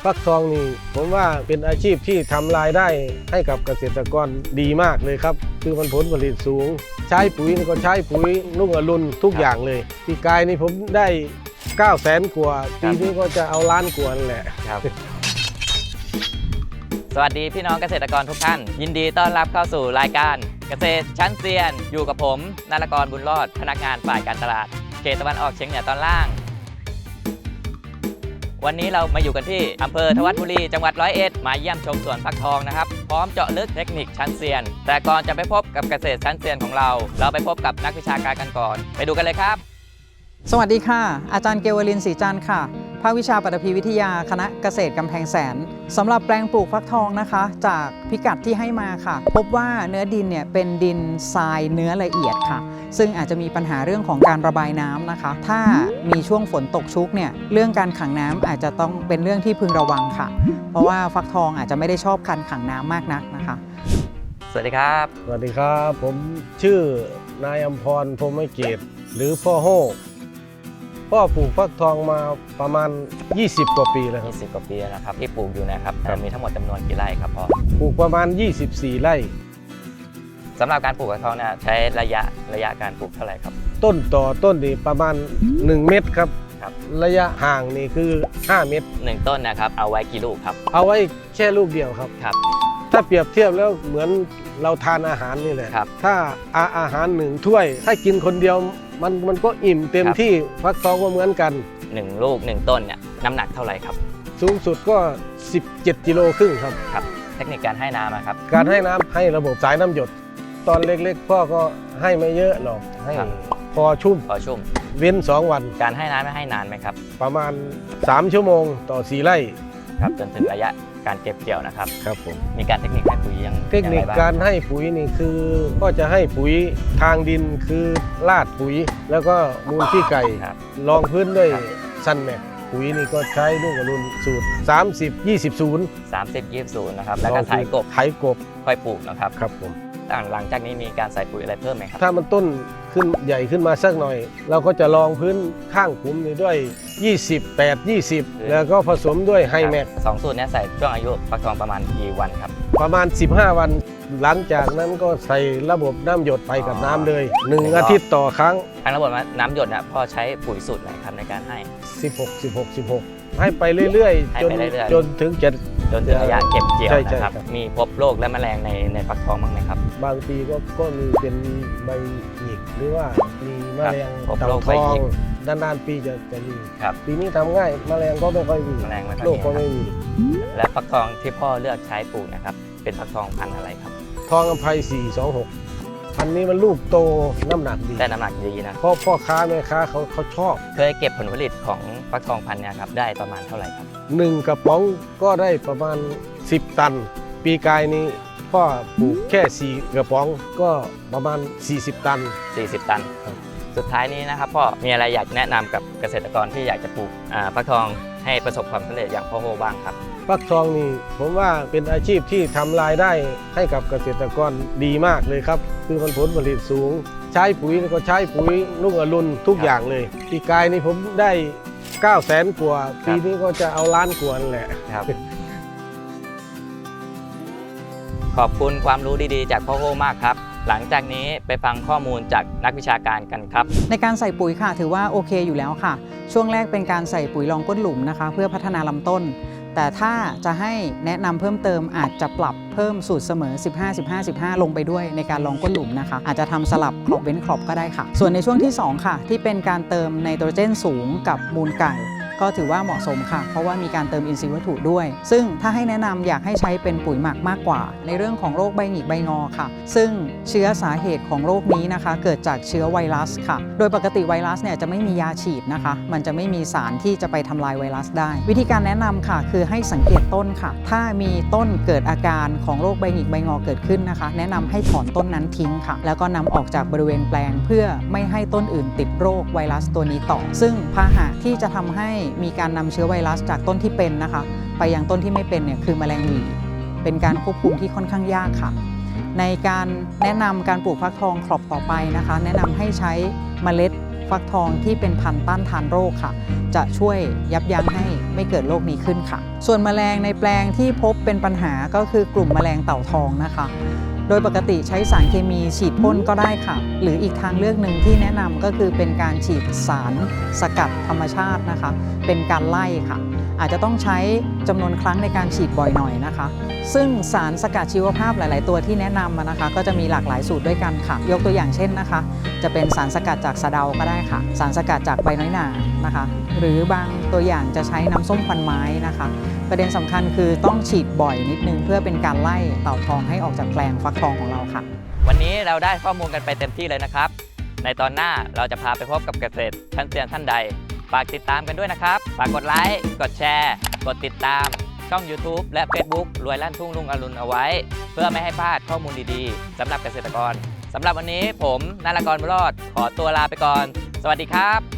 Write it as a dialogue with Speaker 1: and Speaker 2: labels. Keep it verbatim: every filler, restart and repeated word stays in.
Speaker 1: ฟักทองนี่ผมว่าเป็นอาชีพที่ทำรายได้ให้กับเกษตรกรดีมากเลยครับคือมันผลผลิตสูงใช้ปุ๋ยนี่ก็ใช้ปุ๋ยนุ่งอรุณทุกอย่างเลยปีกายนี่ผมได้เก้าแสนกว่าปีนี้ก็จะเอาล้านกว่านั่นแหละ
Speaker 2: ครับสวัสดีพี่น้องเกษตรกรทุกท่านยินดีต้อนรับเข้าสู่รายการเกษตรชั้นเซียนอยู่กับผมนรกรบุญรอดพนักงานฝ่ายการตลาดเขตตะวันออกเฉียงเหนือตอนล่างวันนี้เรามาอยู่กันที่อำเภอทวัดบุรีจังหวัดร้อยเอ็ดมาเยี่ยมชมสวนฟักทองนะครับพร้อมเจาะลึกเทคนิคชั้นเซียนแต่ก่อนจะไปพบกับเกษตรชั้นเซียนของเราเราไปพบกับนักวิชาการกันก่อนไปดูกันเลยครับ
Speaker 3: สวัสดีค่ะอาจารย์เกวลินศรีจันทร์ค่ะภาควิชาปฐพีวิทยาคณะเกษตรกำแพงแสนสำหรับแปลงปลูกฟักทองนะคะจากพิกัดที่ให้มาค่ะพบว่าเนื้อดินเนี่ยเป็นดินทรายเนื้อละเอียดค่ะซึ่งอาจจะมีปัญหาเรื่องของการระบายน้ำนะคะถ้ามีช่วงฝนตกชุกเนี่ยเรื่องการขังน้ำอาจจะต้องเป็นเรื่องที่พึงระวังค่ะเพราะว่าฟักทองอาจจะไม่ได้ชอบการขังน้ำมากนักนะคะ
Speaker 2: สวัสดีครับ
Speaker 1: สวัสดีครับผมชื่อนายอำพรพรหมเกตหรือพ่อโฮพ่อปลูกฟักทองมาประมาณยี่สิบกว่าปีแล้วครับ
Speaker 2: ยี่สิบกว่าปีแล้วนะครับที่ปลูกอยู่นะครับมีทั้งหมดจำนวนกี่ไร่ครับพ่อ
Speaker 1: ปลูกประมาณยี่สิบสี่ไร่
Speaker 2: สำหรับการปลูกฟักทองเนี่ยใช้ระยะระยะการปลูกเท่าไหร่ครับ
Speaker 1: ต้นต่อต้นนี่ประมาณหนึ่งเมตรครับครับระยะห่างนี่คือห้าเมตร
Speaker 2: หนึ่งต้นนะครับเอาไว้กี่ลูกครับ
Speaker 1: เอาไว้แค่ลูกเดียวครับ
Speaker 2: ครับ
Speaker 1: ถ้าเปรียบเทียบแล้วเหมือนเราทานอาหารนี่แหละถ้าอาอาหารหนึ่งถ้วยถ้ากินคนเดียวมันมันก็อิ่มเต็มที่ฟักทองก็เหมือนกัน
Speaker 2: หนึ่งลูกหนึ่งต้นเนี่ยน้ำหนักเท่าไหร่ครับ
Speaker 1: สูงสุดก็สิบเจ็ดกิโลครึ่งครับ
Speaker 2: ครับเทคนิคการให้น้ำครับ
Speaker 1: การให้น้ำให้ระบบสายน้ำหยดตอนเล็กๆพ่อก็ให้ไม่เยอะหรอกให้พอชุ่ม
Speaker 2: พอชุ่ม
Speaker 1: เว้นสองวัน
Speaker 2: การให้น้ำไม่ให้นานไหมครับ
Speaker 1: ประมาณสามชั่วโมงต่อสี่ไร่
Speaker 2: ครับจนถึงระยะการเก็บเกี่ยวนะครับ
Speaker 1: ครับผม
Speaker 2: มีการเทคนิคให้ปุ๋ยยัง
Speaker 1: เทคนิคการให้ปุ๋ยนี่คือก็จะให้ปุ๋ยทางดินคือลาดปุ๋ยแล้วก็มูลขี้ไก่รองพื้นด้วยซันแม็กปุ๋ยนี่ก็ใช้ลูกอรุณสูตรสามสิบ ยี่สิบ ศูนย์
Speaker 2: สามสิบ ยี่สิบ ศูนย์นะครับแล้วก็ไถกบ
Speaker 1: ไถกบ
Speaker 2: ค่อยปลูกนะครับ
Speaker 1: ครับผม
Speaker 2: หลังจากนี้มีการใส่ปุ๋ยอะไรเพิ่มไหมครับ
Speaker 1: ถ้ามันต้นขึ้นใหญ่ขึ้นมาสักหน่อยเราก็จะรองพื้นข้างขุมนี่ด้วยยี่สิบ แปด ยี่สิบแล้วก็ผสมด้วยไฮแม็ก
Speaker 2: สองสูตรนี้ใส่ช่วงอายุฟักทองประมาณกี่วันครับ
Speaker 1: ประมาณสิบห้าวันหลังจากนั้นก็ใส่ระบบน้ำหยดไปกับน้ำเลยหนึ่งอาทิตย์ต่อครั้ง
Speaker 2: ทางระบบน้ำหยดนะพ่อใช้ปุ๋ยสูตรไหนครับในการให้
Speaker 1: สิบหก สิบหก สิบหกให้ไปเรื่อยๆจนจนถึงจะ
Speaker 2: จนถึงระยะเก็บเกี่ยวนะครับมีพบโรคและแมลงในในฟักทองบ้างไหมครับ
Speaker 1: บางปีก็ก็มีเป็นใบหยิกหรือว่ามีแมลงเต่าทองนานๆปีจะจะมีปีนี้ทำง่ายแมลงก็ไม่ค่อยมีโรคก็ไม่มี
Speaker 2: และฟักทองที่พ่อเลือกใช้ปลูกนะครับเป็นฟักทองพันธุ์อะไรครับ
Speaker 1: ทองอภัยสี่สองหกพันนี้มันลูกโตน้ำหนักดี
Speaker 2: ได้น้ำหนักดีนะ
Speaker 1: เพราะพ่อค้าแม่ค้าเขาเขาชอบ
Speaker 2: เคยเก็บผลผลิตของฟักทองพันธุ์เนี่ยครับได้ประมาณเท่าไหร่ครับ
Speaker 1: หนึ่งกระป๋องก็ได้ประมาณสิบตันปีกายนี้พ่อปลูกแค่สี่กระป๋องก็ประมาณสี่สิบตัน
Speaker 2: สี่สิบตันสุดท้ายนี้นะครับพ่อมีอะไรอยากแนะนำกับเกษตรกรที่อยากจะปลูกฟักทองให้ประสบความสำเร็จอย่างพ่อโฮบ้างครับ
Speaker 1: ฟักทองนี่ผมว่าเป็นอาชีพที่ทำรายได้ให้กับเกษตรกรดีมากเลยครับคือมันผลผลิตสูงใช้ปุ๋ยก็ใช้ปุ๋ยนุ่งอรุณทุกอย่างเลยปีกายนี่ผมได้เก้าแสนกว่าปีนี้ก็จะเอาล้านกว่านั่นแหละ
Speaker 2: ครับขอบคุณความรู้ดีๆจากพ่อโฮมากครับหลังจากนี้ไปฟังข้อมูลจากนักวิชาการกันครับ
Speaker 3: ในการใส่ปุ๋ยค่ะถือว่าโอเคอยู่แล้วค่ะช่วงแรกเป็นการใส่ปุ๋ยรองก้นหลุมนะคะเพื่อพัฒนาลำต้นแต่ถ้าจะให้แนะนำเพิ่มเติมอาจจะปรับเพิ่มสูตรเสมอสิบห้า สิบห้า สิบห้าลงไปด้วยในการรองก้นหลุมนะคะอาจจะทำสลับครอบเว้นครอบก็ได้ค่ะส่วนในช่วงที่สองค่ะที่เป็นการเติมไนโตรเจนสูงกับมูลไก่ก็ถือว่าเหมาะสมค่ะเพราะว่ามีการเติมอินทรีย์วัตถุด้วยซึ่งถ้าให้แนะนำอยากให้ใช้เป็นปุ๋ยหมักมากกว่าในเรื่องของโรคใบหงิกใบงอค่ะซึ่งเชื้อสาเหตุของโรคนี้นะคะเกิดจากเชื้อไวรัสค่ะโดยปกติไวรัสเนี่ยจะไม่มียาฉีดนะคะมันจะไม่มีสารที่จะไปทำลายไวรัสได้วิธีการแนะนำค่ะคือให้สังเกตต้นค่ะถ้ามีต้นเกิดอาการของโรคใบหงิกใบงอเกิดขึ้นนะคะแนะนำให้ถอนต้นนั้นทิ้งค่ะแล้วก็นำออกจากบริเวณแปลงเพื่อไม่ให้ต้นอื่นติดโรคไวรัสตัวนี้ต่อซึ่งพาหะที่จะทำให้มีการนำเชื้อไวรัสจากต้นที่เป็นนะคะไปยังต้นที่ไม่เป็นเนี่ยคือแมลงหวีเป็นการควบคุมที่ค่อนข้างยากค่ะในการแนะนำการปลูกฟักทองครอบต่อไปนะคะแนะนำให้ใช้เมล็ดฟักทองที่เป็นพันธุ์ต้านทานโรคค่ะ จะช่วยยับยั้งให้ไม่เกิดโรคนี้ขึ้นค่ะ ส่วนแมลงในแปลงที่พบเป็นปัญหาก็คือกลุ่มแมลงเต่าทองนะคะ โดยปกติใช้สารเคมีฉีดพ่นก็ได้ค่ะ หรืออีกทางเลือกหนึ่งที่แนะนำก็คือเป็นการฉีดสารสกัดธรรมชาตินะคะ เป็นการไล่ค่ะ อาจจะต้องใช้จำนวนครั้งในการฉีดบ่อยหน่อยนะคะ ซึ่งสารสกัดชีวภาพหลาย ๆ ตัวที่แนะนำมานะคะ ก็จะมีหลากหลายสูตรด้วยกันค่ะ ยกตัวอย่างเช่นนะคะ จะเป็นสารสกัดจากสะเดาก็ได้ค่ะ สารสกัดจากใบน้อยหนานะคะ หรือบางตัวอย่างจะใช้น้ำส้มควันไม้นะคะ ประเด็นสำคัญคือต้องฉีดบ่อยนิดนึงเพื่อเป็นการไล่เต่าทองให้ออกจากแปลงฟักทองของเราค่ะ
Speaker 2: วันนี้เราได้ข้อมูลกันไปเต็มที่เลยนะครับ ในตอนหน้าเราจะพาไปพบกับเกษตรชั้นเซียนท่านใด ฝากติดตามกันด้วยนะครับ ฝากกดไลค์ กดแชร์ กดติดตาม ช่อง YouTube และ Facebook รวยลั่นทุ่งลุงอรุณเอาไว้ เพื่อไม่ให้พลาดข้อมูลดีๆสำหรับเกษตรกรสำหรับวันนี้ผมนารากรบุญรอดขอตัวลาไปก่อน สวัสดีครับ